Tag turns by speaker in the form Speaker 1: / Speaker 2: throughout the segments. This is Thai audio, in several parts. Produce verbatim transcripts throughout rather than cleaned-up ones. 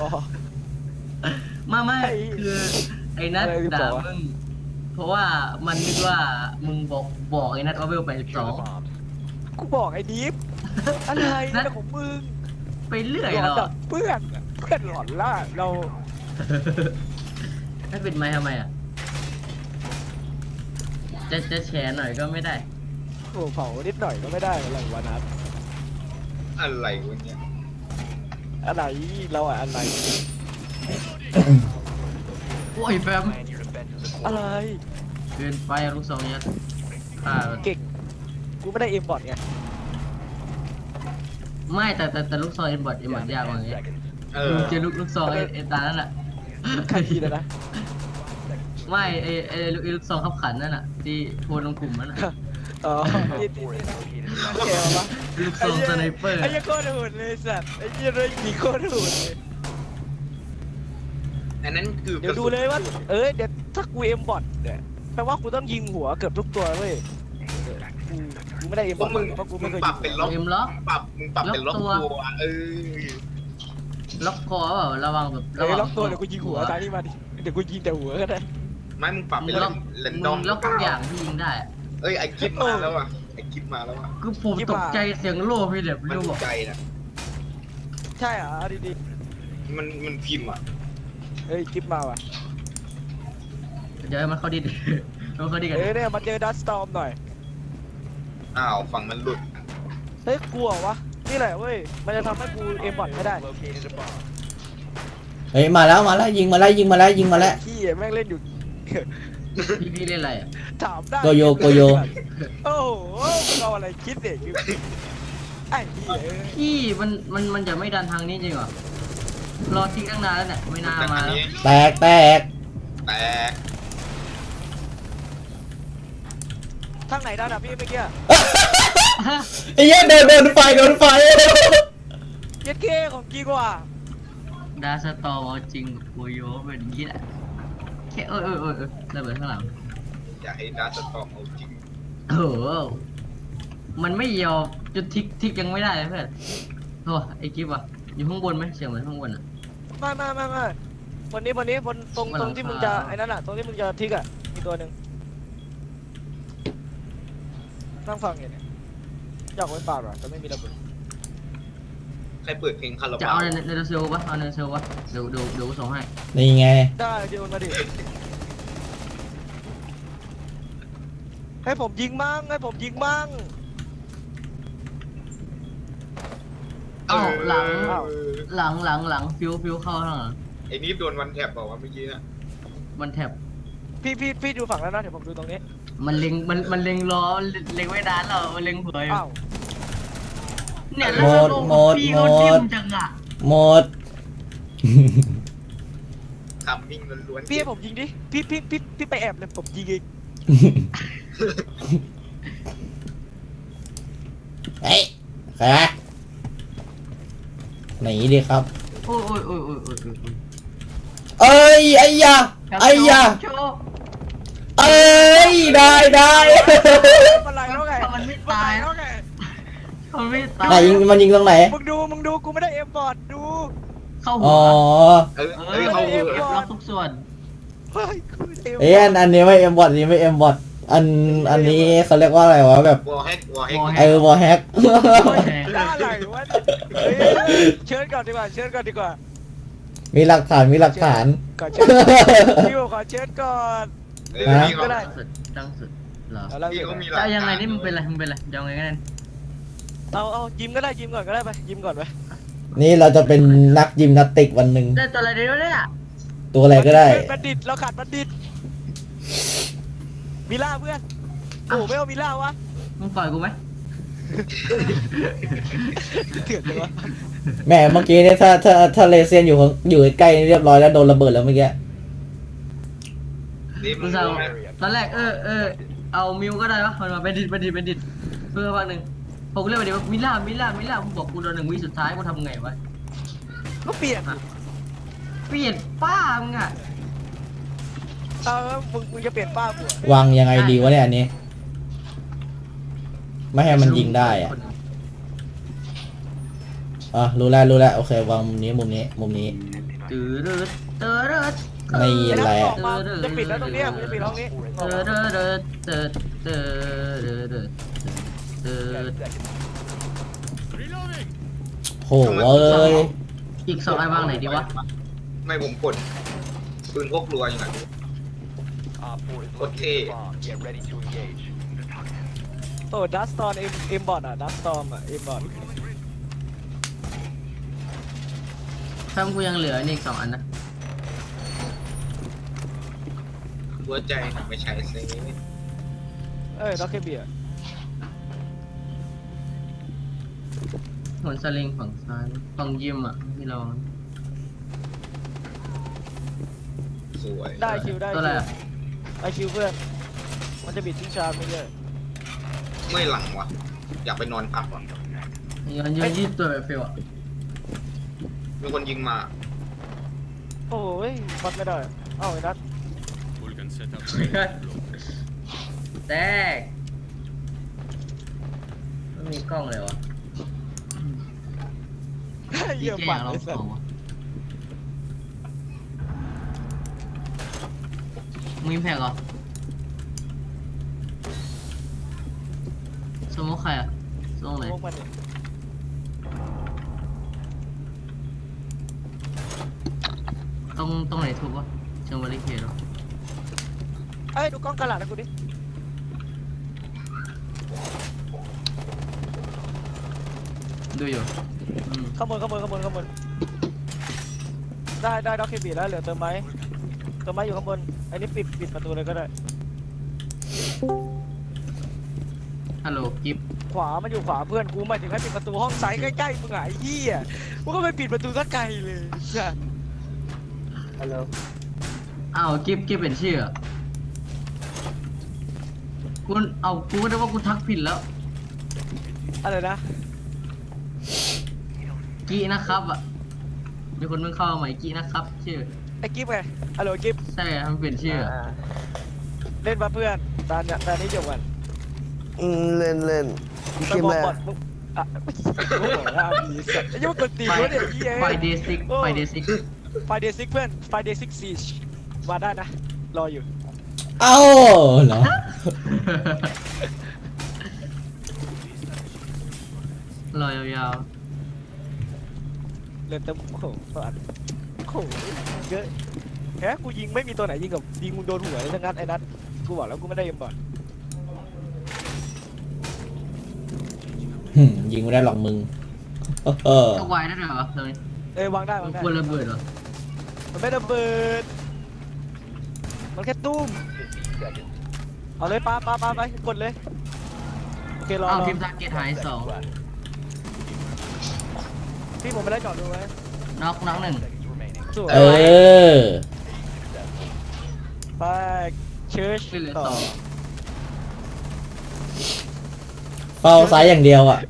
Speaker 1: ไม่ไม่คือไอ้นัทด่ามึงเพราะว่ามันนึกว่ามึงบอกบอกไอ้นัทว่าเวลไปสอง
Speaker 2: กูบอกไอ้ดิฟอะไรนะของมึง
Speaker 1: ไปเรื่อย
Speaker 2: หลอ
Speaker 1: เรา
Speaker 2: นเพื่อนเพื่อนหลอนล่าเรา
Speaker 1: ถ้าเป็นไม้ทำไมอ่ะจะจะแชร์หน่อยก็ไม่ได้
Speaker 2: โอ้เผานิดหน่อยก็ไม่ได้อะไรวะนัท
Speaker 3: อะไรวะเนี่ย
Speaker 2: อะไรเราอะอะไร
Speaker 1: โอ้ยแฟม
Speaker 2: อะไร
Speaker 1: เกินไปอะลูกสองยัดฆ่ามัน
Speaker 2: เก่งกูไม่ได้เอ็มบอทไง
Speaker 1: ไม่แต่แต่แต่ลูกซองเอ็นบอดเอ็นบอดยากกว่านี้
Speaker 3: เออ
Speaker 1: เจอลูกลูกซองไอ้ไอ้ตานั่นแหละ
Speaker 2: ใครทีเลยนะ
Speaker 1: ไม่ไอ้ไอ้ลูกไอ้ลูกซองขับขันนั่นน่ะที่โพลลงกลุ่มนั่นน่ะ
Speaker 2: อ๋อที่ที่ที่แกวะ
Speaker 1: ลูกซองสไนเปอร์
Speaker 2: ไอ้ยี่โคตรโหดเลยสัตว์ไอ้ยี่เลยยิงโคตรโหดเลย
Speaker 3: อันนั้นคือ
Speaker 2: เดี๋ยวดูเลยว่าเอ้ยเดี๋ยวถ้ากูเอ็มบอทเนี่ยแปลว่ากูต้องยิงหัวเกือบทุกตัวเว้ยกูกูไม่ได้เอ็ม
Speaker 3: พ
Speaker 2: บ
Speaker 3: ว
Speaker 2: อก ท
Speaker 3: มึง
Speaker 2: เพราะกู
Speaker 3: มึ
Speaker 2: ไม่
Speaker 3: ง
Speaker 2: เคย
Speaker 3: ป
Speaker 2: ยิ
Speaker 3: รับ
Speaker 2: ง
Speaker 3: เป็นล็อก
Speaker 1: เอ็มล็อก
Speaker 3: ปรับมึงปรับเป็นล็อก
Speaker 1: ล็อกตัว
Speaker 3: ตัวเออ
Speaker 1: ล็อกคอเปล่าระวังแบบ
Speaker 2: เอ้
Speaker 1: ระ
Speaker 2: ย
Speaker 1: วัง
Speaker 2: ล็อกตัวเดี๋ยวกูยิงหัวตายนี่มาดิเดี๋ยวกูยิงแต่หัวก็ได้
Speaker 3: ไม่มึงปรับ
Speaker 1: มึ
Speaker 3: เป็น
Speaker 1: งล็อก
Speaker 3: เรน
Speaker 1: มึ
Speaker 3: ดอม
Speaker 1: งล็อกทุกอย่างที่ยิงได้อะ
Speaker 3: เอ้ยไอคลิปมาแล้วอ่ะไอคลิปมาแล้วอ่ะ
Speaker 1: คือผมตกใจเสียงโล่พี่เด็บ
Speaker 3: มัน
Speaker 1: ไม่รู้บอก
Speaker 3: ใจนะ
Speaker 2: ใช่เหรอดีดี
Speaker 3: มันมันพิมพ์อ่ะ
Speaker 2: ๆเฮ้ยคลิปมาว่ะ
Speaker 1: เดี๋ยวให้มันเข้าดิ ดมันเข้าดิดกัน
Speaker 2: เอ้ยเนี่ยมาเจอดัสตอมหน่อย
Speaker 3: อ้าวฝั่งมันหลุด
Speaker 2: เฮ้ยกลัววะนี่แหละเว้ยมันจะทำให้กูเอ็มบอทไม่ได้
Speaker 4: เฮ้ยมาแล้วมาแล้วยิงมาแล้วยิงมาแล้วยิงมาแล้ว
Speaker 2: ขี้แม่งเล่นอยู่
Speaker 1: พี่พี่เล่นอะไรอ่ะ
Speaker 2: ถามได้
Speaker 4: โกโยโกโย
Speaker 2: โอ้โหมึงเอาอะไรคิดเนี่ยคือไอ้เหี้ยเอ้ย
Speaker 1: พี่มันมันมันจะไม่ดันทางนี้จริงเหรอรอทิ้งตั้งนานแล้วเนี่ยไม่น่า
Speaker 3: แต่
Speaker 1: มา
Speaker 3: อัน
Speaker 1: แล้ว
Speaker 3: นี้
Speaker 4: แตกแตก
Speaker 3: แตก
Speaker 2: ทางไหนด้านอ่ะพี่เมื่อกี้
Speaker 4: ไอ้เหี้ยโดนโดนไฟโดนไฟ
Speaker 2: เย็ดเก้ของกีกว่า
Speaker 1: ดาสตอร์เอาจริงกับโกโยเป็นอย่างนี้แหละแค่เออเออเออเออระเบิดข้างหลัง
Speaker 3: อยากให้ดาร์สตอมเอาจริง
Speaker 1: โอ้โหมันไม่ยอมจุดทิกทิกยังไม่ได้เลยเพื่อนโอ้ไอ้กิ๊บอ่ะอยู่ข้างบนไหมเสียงเหมือนข้างบนอ่ะ
Speaker 2: ไม่ไม่ไม่ไม่วันนี้วันนี้บนตรง
Speaker 1: วันห
Speaker 2: ต
Speaker 1: ลั
Speaker 2: รง
Speaker 1: ง
Speaker 2: ที่มึง
Speaker 1: คา
Speaker 2: จะไอ้นั่นอ่ะตรงที่มึงจะทิกอ่ะมีตัวหนึ่งนั่งฟังอยู่เนี่ยอยากไว้ปากอ่ะแต่ไม่มีระเบิด
Speaker 3: ใครเปิดเพลงคารา
Speaker 1: จะ
Speaker 3: บา
Speaker 1: เอา
Speaker 3: ว
Speaker 1: ในในเซลปะเอาในเซลปะเดี๋ยวเดี๋ยวเดี๋ยวกูส่งให้
Speaker 4: นี่ไง
Speaker 2: ได้โยนมาดิให้ผมยิงมั่งให้ผมยิงมั่ง
Speaker 1: เอ้าหลัง
Speaker 2: อ้าว
Speaker 1: หลังหลังหลังฟิวฟิวเข้าข้างหลัง
Speaker 3: ไอ้นี่โดนวันแถบบอกว่าเมื่อกี้นะ
Speaker 1: มันแถบ
Speaker 2: พี่พี่พี่ดูฝั่งแล้วนะเดี๋ยวผมดูตรงนี้
Speaker 1: มันเล็งมันมันเล็งล้อเล็งไว้ด้านเรามันเล็งหัวอยู่
Speaker 2: อ้าว
Speaker 1: เนี่ยแล้วเราลงกับพี่เขาดิ้มจังอ่ะ
Speaker 4: หมด
Speaker 3: คำมิ่งล้วนๆ
Speaker 2: พี่ให้ผมยิงดิพี่พี่พี่พี่ไปแอบเลยผมยิงเอง
Speaker 4: เฮ้ยใครวะหนีดิครับ
Speaker 1: โอ้ยโอ้ยโอ้ยโอ้ยโอ้ยโอ้ย
Speaker 4: เอ้ยไอ้ยาไอ้ยา
Speaker 1: โชว์
Speaker 4: เอ้ยได้ได้
Speaker 2: มันไรแล้วไง
Speaker 1: ถ้ามันไม่ตาย
Speaker 2: แล้วไง
Speaker 1: มันไม่ตาย
Speaker 4: ไหนยิงมันยิงตรงไหน
Speaker 2: มึงดูมึงดูกูไม่ได้เอ็มบอร์ดดู
Speaker 1: เข้าหั
Speaker 4: อ๋
Speaker 1: ว
Speaker 4: อ
Speaker 3: เออ
Speaker 1: เอ
Speaker 3: เอ้ย
Speaker 1: อ
Speaker 3: เขา
Speaker 1: เอ
Speaker 3: เอ
Speaker 1: ฟ
Speaker 3: อ
Speaker 1: ล็อกทุกส่วน
Speaker 2: เฮ้ยกูไม่ได้เอ็มบอ
Speaker 4: เอ้ย
Speaker 2: ร์
Speaker 4: อั
Speaker 2: ด
Speaker 4: นอันนี้ไม่เอ็มบอทนี้ไม่เอ็มบอทอันอันนี้เขาเรียกว่าอะไรวะแบบ
Speaker 3: วอลแฮกวอลแฮก
Speaker 1: wall hack
Speaker 4: เออวอลแฮก
Speaker 2: ได้อะไรวะเฮ้ยเชิญก่อนดีกว่าเชิญก่อนดีกว่า
Speaker 4: มีหลักฐานมีหลักฐาน
Speaker 2: ก่อนเชิญพี่ขอเชิญก่อน
Speaker 3: เออ
Speaker 4: ฮะ
Speaker 3: พี่เขา
Speaker 2: ก็ได้
Speaker 1: ตั้งสุดตั้งสุดเหรอ
Speaker 2: เอาละ
Speaker 3: พี่เขามีหลั
Speaker 1: จะ
Speaker 3: ก
Speaker 1: เอายังไง
Speaker 3: ฐาน
Speaker 1: นี่มึงเป็นไรมึงเป็นไรจะเอาไงกัน
Speaker 2: เอาเอายิมก็ได้ยิมก่อนก็ได้ไปยิมก่อนไป
Speaker 4: นี่เราจะเป็นนักยิมนาสติกวันหนึ่ง
Speaker 1: ได้ตัวอะไรเดียวเนี่ย
Speaker 4: ตัวอะไรก็ได้
Speaker 2: บัณฑิตเราขาดบัณฑิตมิล่าเพื่อนโอ้ไม่เอามิล่าวะ
Speaker 1: มึงปล่อยกูไหม
Speaker 2: เถื่อนเลยวะ
Speaker 4: แหมเมื่อกี้เนี่ยถ้าถ้าถ้าเลเซียนอยู่ข้างอยู่ใกล้ๆเรียบร้อยแล้วโดนระเบิดแล้วเมื่อกี้
Speaker 3: นี่มึ
Speaker 1: กู
Speaker 3: ง
Speaker 1: จะ
Speaker 3: รู้ไหม
Speaker 1: ตอนแรกเออเออเอามิวก็ได้ปะมันมาเป็นดิดเป็นดิดเป็นดิดเพื่อพักหนึ่งผมก็เรียกว่าเดี๋ยวมิล่ามิล่ามิล่ามึงบอกกูโดนหนึ่งวิสุดท้ายกูทำไงวะ
Speaker 2: ก็เปลี่ยน
Speaker 1: เปลี่ยนป้ามึงอ่ะ
Speaker 2: เออมึงมึงจะเปลี่ยนป้ากู
Speaker 4: วางยังไงดีวะเนี่ยอันนี้ ไม่ให้มันยิงได้อะอ่ะรู้แล้วรู้แล้วโอเควางมุมนี้มุมนี้มุมนี้
Speaker 1: ตื้อดืดเตอร์ด
Speaker 4: ไม่
Speaker 2: ไอ้นั
Speaker 4: แห
Speaker 2: ท
Speaker 4: ละ
Speaker 2: ออกมาจะปิดแล้วตรงเนี้ยมึงจะปิดห้องนี้
Speaker 1: เตอร์ดเตอร์เตอร์เตอร์เตอร์
Speaker 4: โหเอ้ย
Speaker 1: อีกสองไอ้วางไหนดีวะ
Speaker 3: ไม่ผมกดปืนพกรัวอย่างนั้น โคตรเท่
Speaker 2: โอ้ดัสตอนเอ็มเอ็มบอทอ่ะดัสตอมอ่ะเอ็มบอท
Speaker 1: ถ้ากูยังเหลือนี่อีกสองอันนะ
Speaker 3: หัวใจไม่ใช่เซ่
Speaker 2: เอ้ยด็อกเกเบีย
Speaker 1: หนสลิงฝั่งซ้ายฝั่งยิมอ่ะที่เรา
Speaker 3: สวย
Speaker 2: ได้คิวได้
Speaker 1: ตัว
Speaker 2: คิ
Speaker 1: อะไร
Speaker 2: ว
Speaker 1: อ่ะ
Speaker 2: ไอคิวเพื่อนมันจะบิดทิ้งชาร์จไม่เยอะ
Speaker 3: เมื่อยหลังวะอยากไปนอนพักวะ
Speaker 1: ย้อนยืนยืดตัวแบบเฟลอ่ะ
Speaker 3: มีคนยิงมา
Speaker 2: โอ้ยวัดไม่ได้เอ้าไอ้นัท
Speaker 1: แตกไม่มีกล้องเลยวะ
Speaker 2: เยี่ยม
Speaker 1: แก
Speaker 2: ปัด
Speaker 1: เรา
Speaker 2: เลยสั
Speaker 1: ข
Speaker 2: ต
Speaker 1: อ
Speaker 2: ว์
Speaker 1: วะมีแพ็กเหรอสมมติใครอ่ะสมมติไหน
Speaker 2: พวกมันเนี่ย
Speaker 1: ตรงตรงไหนถูกวะเชิงบริเคดเหรอ
Speaker 2: เอ้ยดูกล้องกระดาษนะกูดิ
Speaker 1: ดูอยู่อืม
Speaker 2: ข้างบนข้างบนข้างบนข้างบนได้ได้ด็อกเกเบียแล้วเหลือเติมไม้เติมไม้อยู่ข้างบนไอ้นี่ปิดปิดประตูเลยก็ได้
Speaker 1: ฮัลโหลกิฟ
Speaker 2: ขวามันอยู่ขวาเพื่อนกูหมายถึงให้ปิดประตูห้องซ้ายใกล้ๆมึงอ่ะไอ้เหี้ยมึงก็ไปปิดประตูสักไกลเลยจ้ะฮัลโหล
Speaker 1: อ้าวกิฟกิฟเป็นชื่ออะกูเอากูก็ได้ว่ากูทักผิดแล้ว
Speaker 2: อะไรนะ
Speaker 1: กีนะครับอ่ะมีคนเพิ่งเข้ามาใหม่กีนะครับ ชื่อ
Speaker 2: ไอ้กิฟไงฮัลโหลกิฟ
Speaker 1: ใช่ทำเปลี่ยนชื่ออะ
Speaker 2: เล่นมาเพื่อนตอนเนี้ยตอนนี้จบกัน
Speaker 5: อืมเล่นเล่น
Speaker 2: ไป
Speaker 5: เกม
Speaker 2: บอ
Speaker 5: แร
Speaker 2: ก
Speaker 5: ก
Speaker 2: บอดมึงอ่ะโอ้โหอ่ะมีสัตว์ไอ้ยังกดตี
Speaker 1: ไฟ
Speaker 2: วะเนี่ยไอ้เหี้ย
Speaker 1: ไฟเดซิกไฟเดซิก
Speaker 2: ไฟเดซิกเพื่อนไฟเดซิกซีชมาได้นะรออยู่
Speaker 4: เอ้าเหรอ
Speaker 1: รอยยาว
Speaker 2: เล่นเต็มโอ้โหสัตว์โอ้โหเยอะแฮะกูยิงไม่มีตัวไหนยิงกับยิงมึงโดนหัวเลยทั้งนั้นไอ้นัทกูบอกแล้วกูไม่ได้เอ็มบอล
Speaker 4: หึยิงไม่ได้หรอกมึงเออ
Speaker 1: ๆตกไวได้ด้วยเหรอตรงนี้
Speaker 2: เอ้ยวางได้วางได้
Speaker 1: ควรระเบิดเหรอ
Speaker 2: มันไม่ระเบิดมันแค่ตุ้มเอาเลยปาปาปาไปกดเลยโอเครอ
Speaker 1: อ้าว
Speaker 2: รอ
Speaker 1: ทีมทาร์เก็ตหายสอง
Speaker 2: พี่ผมไม่ได้จอดดูไว้
Speaker 1: น็อกน็อกหนึ่ง
Speaker 2: สวย
Speaker 4: เออ
Speaker 2: ไปเชิร์ช
Speaker 1: ไม่เหลือ
Speaker 2: ต่อ
Speaker 1: สอง
Speaker 4: เฝ้าซ้ายอย่างเดียวอ่ะ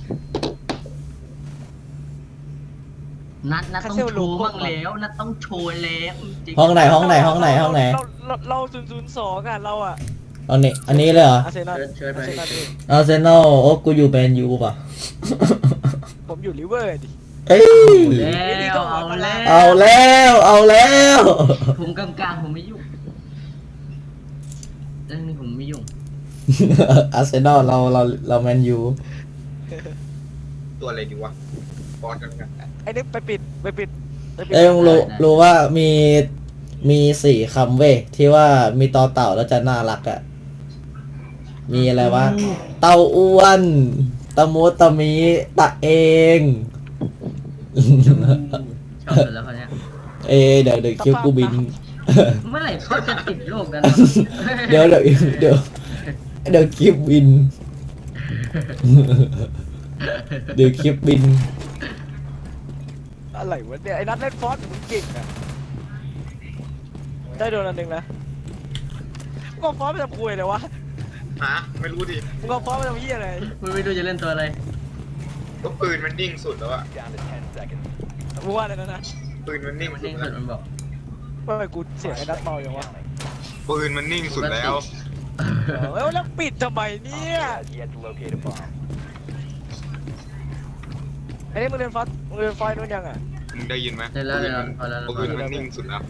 Speaker 1: นัดนัดต้องโชว์บ้างแล้วนัดต้องโชว์แล้วจริง
Speaker 4: ห้องไหนห้องไหนห้องไหนห้องไหน
Speaker 2: เราเราเราศูนย์ศูนย์สองอ่ะเราอ่ะ
Speaker 4: ห้องนี้อันนี้เลยเหรอ
Speaker 2: อาร์เซนอล
Speaker 1: เชิญ
Speaker 2: อาร์
Speaker 1: ไป
Speaker 2: เซนอลพี่
Speaker 4: อาร์เซนอลโอ้กูอยู่แมนยูป่ะ
Speaker 2: ผมอยู่ลิเวอร์ดิ
Speaker 4: เอ้ย
Speaker 1: แล้วเอาแล้ว
Speaker 4: เอาแล้วเอาแล้ว
Speaker 1: ผมกลางๆผมไม่ยุ่งเรื่องนี้ผมไม่ยุ่ง
Speaker 4: อาร์เซนอลเราเราเราแมนยู
Speaker 3: ตัวอะไรดีวะบอลกันกัน
Speaker 2: ไอ้นี่ไปปิดไปปิดไปปิด
Speaker 4: เอ้ยมึงรู้รู้ว่ามีมีสี่คำเว้ยที่ว่ามีต่อเต่าแล้วจะน่ารักอ่ะ มีอะไรวะ เต่าอ้วนตะมูตะมีตะเอง
Speaker 1: ชอบกันแล้วเขาเนี่ย
Speaker 4: เอยเดี๋ยวเดี๋ยวคิวกูบิน
Speaker 1: เมื่อไหร่เขาจะติดโรคกันวะ
Speaker 4: เดี๋ยวเดี๋ยวเดี๋ยวเดี๋ยวคลิปบิน เดี๋ยวคลิปบิน
Speaker 2: อะไรวะเนี่ยไอ้นัทเล่นฟอสมึงเก่งอ่ะได้โดนอันหนึ่งนะมึงเอาฟอสไปทำคุยเลยวะ
Speaker 3: ฮะไม่รู้ดิ
Speaker 2: มึงเอาฟอสไปทำเหี้ยอะไร
Speaker 1: มึงไม่รู้จะเล่นตัวอะไร
Speaker 3: ก็ปืนมันนิ่งสุดแล้วอะ
Speaker 2: มึงว่าอะไรนะนะ
Speaker 3: ปืนมันนิ่ง
Speaker 1: มัน
Speaker 3: สุ
Speaker 1: นิ่
Speaker 3: ด
Speaker 1: ง
Speaker 3: แล้
Speaker 1: สุ
Speaker 3: ว
Speaker 1: ดมันบอก
Speaker 2: ว่าไมกูเสียงไอ้นัทเบาอย่างวะ
Speaker 3: ปืนมันนิ่งสุดแล้ว
Speaker 2: เอ้าแล้วปิดทำไมเนี่ยไอ้นี่มึงเรียนฟอสมึงเรียนฟอสนู่นยังอ่ะ
Speaker 3: มึงได้ยินไหม
Speaker 1: ได้แล้วได้แล้วพอแล้ว
Speaker 3: ปืนมันนิ่งสุดแล้ว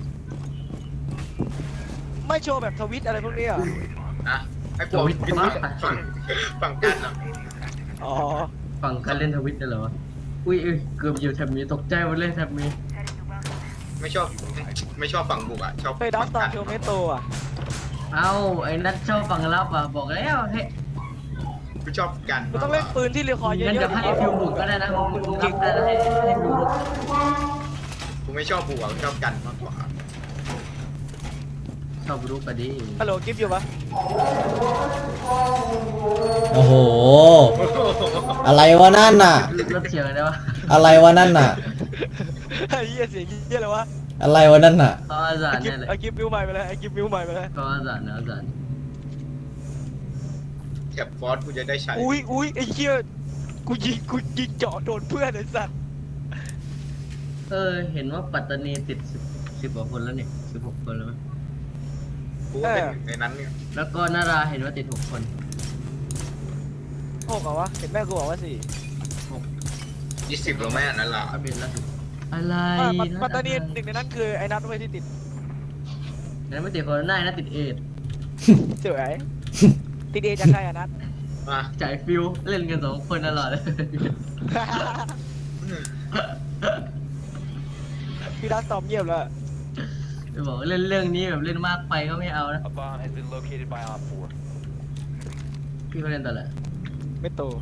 Speaker 2: ไม่โชว์แบบทวิตอะไรพวกนี้เหรอ
Speaker 3: นะให้พ
Speaker 1: ท
Speaker 3: วก
Speaker 1: วิต
Speaker 3: ฝั่ง
Speaker 1: มาก
Speaker 3: ฝั่งกันอ่ะ
Speaker 2: อ๋อ
Speaker 1: ฝั่งการเล่นทวิตได้เหรอวะอุ้ยเอ้ยเกือบอยู่แถบนี้ตกใจหมดเลยแถบนี้
Speaker 3: ไม่ชอบไม่ชอบฝั่งบุกอ่ะชอบ
Speaker 2: ไปดับ
Speaker 3: ฝั่ง
Speaker 2: ตอน
Speaker 3: กัน
Speaker 2: โชว์เมโตอ่ะ
Speaker 1: เอ้าไอ้นัทชอบฝั่งรับอ่ะบอกแล้วเฮ้ย
Speaker 3: กูชอบกัน
Speaker 2: กูต้องเล่นปืนที่เรียคอเย
Speaker 1: งั้น
Speaker 2: อะ
Speaker 1: เดี๋ยวให้ฟิวบุกก็ได้นะมึงรับได้นะให้ให้ฟิวบุก
Speaker 3: กูไม่ชอบบุกอ่ะกูชอบกันมากกว่า
Speaker 1: ชอบรู้กันดิ
Speaker 2: ๆฮัลโหลกิฟต์อยู่ปะ
Speaker 4: โอ้โห อะไรวะนั่นน่ะ
Speaker 1: ลดเสียงกันได้ปะ
Speaker 4: อะไรวะนั่นน่ะ
Speaker 2: ไอ้เหี้ยเสียงเหี้ยอะไรวะ
Speaker 4: อะไรวะนั่นน่ะ
Speaker 1: เขาอาสา
Speaker 2: ไอ้
Speaker 1: น
Speaker 2: กิฟ
Speaker 1: เนี่ย
Speaker 2: ต์
Speaker 1: เลย
Speaker 2: ไอ้กิฟต์มิวใหม่ไปเลยไอ้กิฟต์มิวใหม่ไปเลย
Speaker 1: เขาอาสานนะอาสาน
Speaker 3: แถบฟอสกูจะได้ใช้
Speaker 2: อุ้ยอุ้ยไอ้เหี้ยกูยิงกูยิงเจาะโดนเพื่อนไอ้สัตว์
Speaker 1: เออเห็นว่าปัตตานีติดสิบสิบกว่าคนแล้วนี่สิบหกคนแล้วมั้ย
Speaker 3: กูก็เป็นหนึ่งในนั้นเนี่ย
Speaker 1: แล้วก็นาราเห็นว่าติดหกคน
Speaker 2: โอ้กวะเห็นแม่กูบอกว่าสี่
Speaker 3: ยี่สิบแล้วแม่นั่นล่ะ
Speaker 1: อัปเดตล่าสุดอะไร
Speaker 2: อ่ะปัต
Speaker 1: ะ
Speaker 2: ปัตตานีหนึ่งในนั้นคือไอ้นัทไว้ที่ติด
Speaker 1: นั้นไม่ติดโคโรนานะติดเอดส์
Speaker 2: เจ๋ยติดเอจากใครอะนัท
Speaker 3: มา
Speaker 1: จ่ายฟิวเล่นกันสองคนตลอดเลย
Speaker 2: พี่นัทตอบเงียบแล้ว
Speaker 1: จะบอกว่าเล่นเรื่องนี้แบบเล่นมากไปก็ไม่เอานะ
Speaker 6: A bomb has been located by Op four.
Speaker 1: พี่เขาเล่นตลอด
Speaker 2: ไม่โต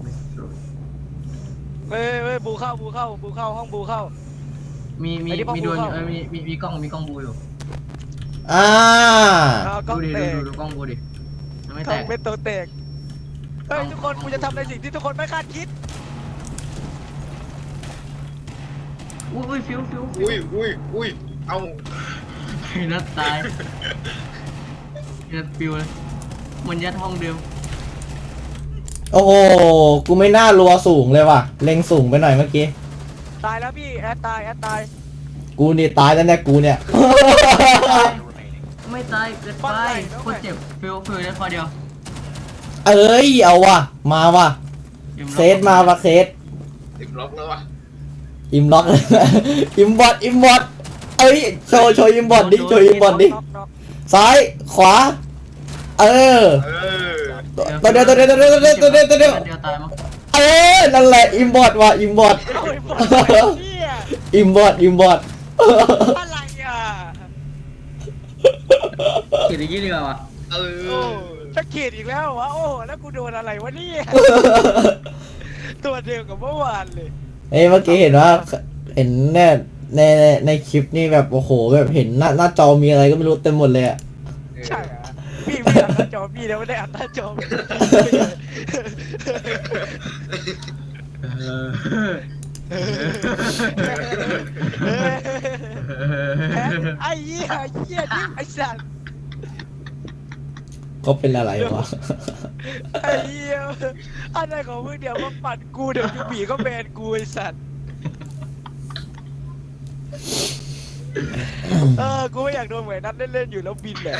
Speaker 2: เว้ยเว้ยบูเข้าบูเข้าบูเข้าห้องบูเข้า
Speaker 1: มีมี
Speaker 2: ไอ้ที่ป้อง
Speaker 1: มีดวลอยู่
Speaker 2: กูเข้า
Speaker 1: เออมีมีมีกล้องมีกล้องบูอยู่
Speaker 4: อ่า
Speaker 2: เอากล้
Speaker 1: ดู
Speaker 2: อง
Speaker 1: ดิ
Speaker 2: แต
Speaker 1: ดู
Speaker 2: ก
Speaker 1: ดูดูกล้องบูดิยังไม่
Speaker 2: ก
Speaker 1: แต
Speaker 2: ล้อง
Speaker 1: ก
Speaker 2: เป็นโตแตกเฮ้ยทุกคนกูจะทำในสิ่งที่ทุกคนไม่คาดคิด
Speaker 1: อุ้ยอุ้ยฟิวฟิวฟิว
Speaker 3: อุ้ยอุ้ยอุ้ยเอา
Speaker 1: ไอ้นัดตายนัดฟิวเลยมันยัดห้องเดิม
Speaker 4: โอ้โห กูไม่น่ารัวสูงเลยว่ะ เล็งสูงไปหน่อยเมื่อกี้
Speaker 2: ตายแล้วพี่แอดตายแอดตาย
Speaker 4: กูนี่ตายแล้วเนี่ยกูเนี่ย
Speaker 1: ไม่ตายเกินไปโคตรเจ็บฟิวฟิวได้พอเดียว
Speaker 4: เอ้ย เอาว่ะ มาว่ะ
Speaker 1: อิ่ม
Speaker 4: เซตมาว่ะเซต
Speaker 3: ติดล็อกแล้ววะ
Speaker 4: อิมล็อกเลย อิมบอดอิมบอดเอ้ย โชว์โชว์อิมบอดดิ โชว์อิมบอดดิ
Speaker 2: น็อกน็อก
Speaker 4: ซ้าย ขวา เออ
Speaker 3: เออ
Speaker 4: ตัวเดียวตัวเดียวตัวเดียวตัวเดียวตัวเดียวตัวเดียว
Speaker 1: เดียวตายมั้ง
Speaker 4: เออ นั่นแหละ อิมบอดว่ะ อิมบอด
Speaker 2: เอาไอ้บอลไอ้เหี้ย
Speaker 4: อิมบอดอิมบอด
Speaker 2: อะไรอ่ะ
Speaker 1: เขียนอย่างนี้ดีกว่าวะ
Speaker 3: เอ
Speaker 2: โอ้
Speaker 3: อ
Speaker 2: จะเขียดอีกแล้ววะโอ้แล้วกูโดนอะไรวะเนี่ยตัวเดียวกับเมื่อวานเลย
Speaker 4: เอ้ยเมื่อกี้เห็นว่า เห็นเนี่ยในในในคลิปนี่แบบโอ้โหแบบเห็นหน้าหน้าจอมีอะไรก็ไม่รู้เต็มหมดเลยอะ
Speaker 2: ใช่เหรอพี่พี่อัดหน้าจอพี่แล้วไม่ได้อัดหน้าจอพี่
Speaker 1: เออ
Speaker 2: แพ้ไอ้เหี้ยไอ้เหี้ยนี่ไอ้สัตว์
Speaker 4: ก็เป็นอะไรวะ
Speaker 2: ไอ้เหี้ยอะไรของมึงเดี๋ยวมาปัดกูเดี๋ยวยูบีก็แบนกูไอ้สัตว์เออกูไม่อยากโดนเหมือนนัดเล่นๆอยู่แล้วบินแหละ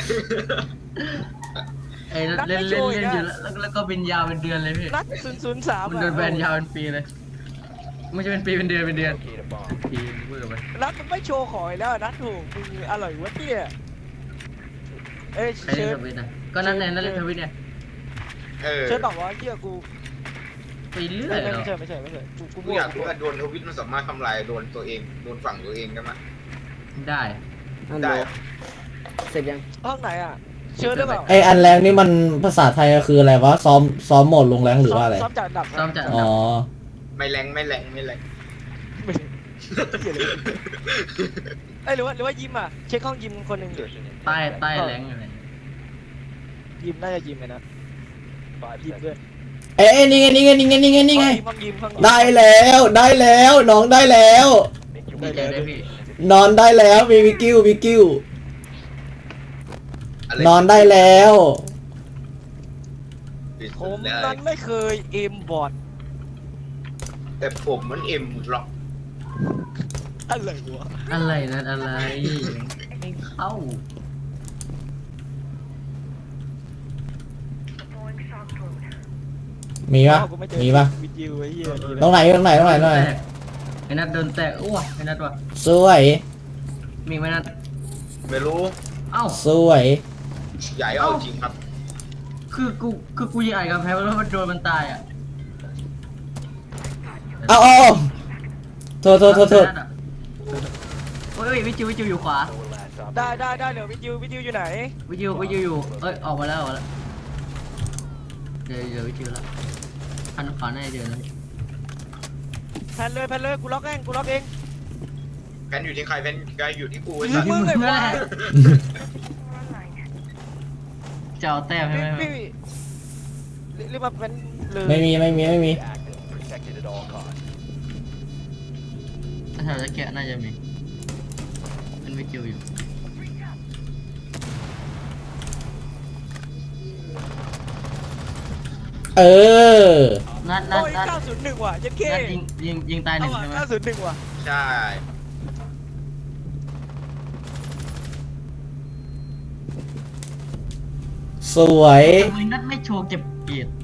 Speaker 1: ไอ้นั่นเล่นเล่นเล่นอยู่แล้วแล้วแล้วก็เป็นยาวเป็นเดือนเลยพี่
Speaker 2: นัดศูนย์ศูนย์สาม
Speaker 1: มันโดนแบนยาวเป็นปีเลย ไม่ใช่เป็นปีเป็นเดือนเป็นเดือน
Speaker 6: Locate a bomb.
Speaker 1: ปีพูดกันไป
Speaker 2: นัดมึงไม่โชว์ของอีกแล้วนัดถูกมึงอร่อยวะเนี่ยเอ้ย
Speaker 1: ใคร
Speaker 2: เชิ
Speaker 1: เล่น
Speaker 2: ญ
Speaker 1: ทวิตนะก็นั่นแน่นั่นเล่นทวิตเนี่ย
Speaker 3: เออ
Speaker 2: เชิญบอกว่าเหี้ยกู
Speaker 1: ไปเรื่อ
Speaker 2: ไม่
Speaker 1: ยเหรอ
Speaker 2: ไม่ใช่ไม่ใช่ไม่ใช่กูกู
Speaker 3: กูอยากรู้ว่าโดนทวิตมันสามารถทำลายโดนตัวเองโดนฝั่งตัวเองได้ไหม
Speaker 1: ได้
Speaker 3: ได้อะ
Speaker 5: เสร็จยัง
Speaker 2: ห้องไหนอ่ะเชิญได้เปล่า
Speaker 4: ไออันแรงนี่มันภาษาไทยคืออะไรวะ ซ้อมซ้อมโหมดลงแรงหรือว่าอะไร
Speaker 2: ซ้อมจากอันดับ
Speaker 1: ซ้อมจากอัน
Speaker 4: อ๋
Speaker 1: ดั
Speaker 4: อ
Speaker 1: บ
Speaker 3: ไม่แรงไม่แรงไม่แรง
Speaker 2: ไม่เหี้ยเลยเอ้ยหรือว่าหรือว่ายิมอ่ะเช็คห้องยิมคนหนึ่งดิ
Speaker 1: ใต้ใต้แรงอยู่ไหน
Speaker 2: ยิมน่าจะยิมไงนะ
Speaker 6: Five
Speaker 2: ยิมด้วย
Speaker 6: seconds.
Speaker 4: เอ้ยนี่ไงนี่ไงนี่ไงนี่ไงนี่ไง
Speaker 2: ห้องยิมห้องยิม
Speaker 4: ได้แล้วได้แล้วน้องได้แล้ว
Speaker 6: Make your
Speaker 1: ดี
Speaker 6: way
Speaker 1: ใจ
Speaker 6: to
Speaker 1: ด้วยพี่
Speaker 4: นอนได้แล้วมีวิกิววิกิว
Speaker 3: อะไร
Speaker 4: นอนได้แล้ว
Speaker 3: ปิด
Speaker 2: ผ
Speaker 3: สุ
Speaker 2: ม
Speaker 3: ดแล้ว
Speaker 2: นั้นไม่เคยเอมบอด
Speaker 3: แต่ผมมันเอ็มล็อก
Speaker 2: อะไรวะ
Speaker 1: อะไรนั่นอะไรไม่เข้า
Speaker 4: มีปะ
Speaker 2: อ้าวกูไเจอ
Speaker 4: มีปะ
Speaker 2: วิดยิวไอ้เหี้ยดี
Speaker 4: ตรงไหนตรงไหนตรงไหนตรงไหน
Speaker 1: ไอ้อ้นัทโดนแตกอ้วไอ้นัทว่ะ
Speaker 4: สวย
Speaker 1: มีไหมนัท
Speaker 3: ไม่รู้
Speaker 1: เอ้า
Speaker 4: สวย
Speaker 3: ใหญ่เอาจริงครับ
Speaker 1: คือกูคือกูยิงไอ้กับแพ้แล้วมันโดนมันตายอ่ะ
Speaker 4: เอาเอาโทษโทษโทษโทษ
Speaker 1: นัทอะโอ้ยวิจิววิจิวอยู่ขวา
Speaker 6: Four last op.
Speaker 2: ได้ได้ได้เดี๋ยววิจิววิจิวอยู่ไหน
Speaker 1: วิจิววิจิวอยู่เอ้ยออกมาแล้วออกมาแล้วเดี๋ยวเดี๋ยววิจิวแล้วพันขวาหน้าเดี๋ยวนะ
Speaker 2: แพนเลยแพนเลยกูล็อกเองกูล็อกเอง
Speaker 3: แพนอยู่ที่ใครแพนใครอยู่ที่กูไอ้
Speaker 2: มึ
Speaker 3: สั
Speaker 2: ง
Speaker 3: ส
Speaker 2: มึงไอ้ควาย
Speaker 1: จะเอาแต้มใช่ไหม
Speaker 2: พี่พี่รีบมาเป็นเลย
Speaker 4: ไม่มีไม่มีไม่มี
Speaker 6: Active. Protected at all costs.
Speaker 1: ถ้าแถวจะแกะน่าจะมีเป็นวิจิวอยู่
Speaker 4: เออ
Speaker 1: นัดนัด
Speaker 2: โอ้ย
Speaker 1: นัด
Speaker 2: เก้าศูนย์หนึ่งว่ะยันเค
Speaker 1: นัดยิงยิงยิงตายห
Speaker 2: เอา
Speaker 1: นึ่ง
Speaker 2: ว่ะ
Speaker 1: ใช่ไหม
Speaker 2: เก้าศูนย์หนึ่งว่ะ
Speaker 3: ใช่
Speaker 4: สวย
Speaker 1: ทำไมนัดไม่โชว์เก็บเกียรติ